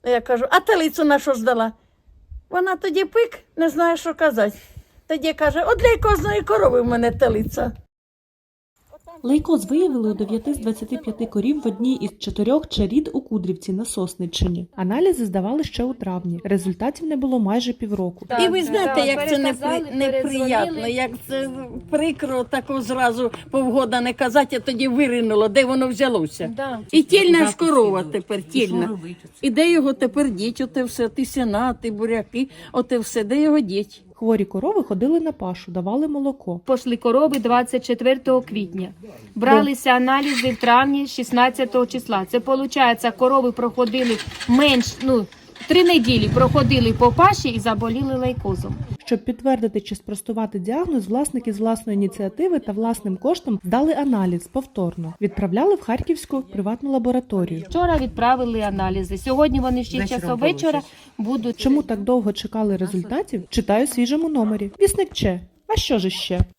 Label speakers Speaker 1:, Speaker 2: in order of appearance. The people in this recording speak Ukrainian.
Speaker 1: Я кажу, а телицю на що здала? Вона тоді пик, не знає, що казати. Тоді каже, от для кожної корови в мене телиця.
Speaker 2: Лейкоз виявили у 9 з 25 корів в одній із 4 чарід у Кудрівці на Сосниччині. Аналізи здавали ще у травні. Результатів не було майже півроку.
Speaker 1: І ви знаєте, як це неприємно, як це прикро тако зразу півгода не казати, а тоді виринуло, де воно взялося. І тільна ж корова тепер, тільна. І де його тепер діть, оте все, ті сіна, ті буряки, оте все, де його діть?
Speaker 2: Хворі корови ходили на пашу, давали молоко.
Speaker 3: Пошли корови 24 квітня. Бралися аналізи в травні 16 числа. Це, виходить, корови проходили 3 неділі проходили по паші і заболіли лейкозом.
Speaker 2: Щоб підтвердити чи спростувати діагноз, власники з власної ініціативи та власним коштом здали аналіз повторно. Відправляли в Харківську приватну лабораторію.
Speaker 3: Вчора відправили аналізи. Сьогодні вони в 6 часов вечора будуть.
Speaker 2: Чому так довго чекали результатів? Читаю в свіжому номері. Вісник Че. А що ж іще?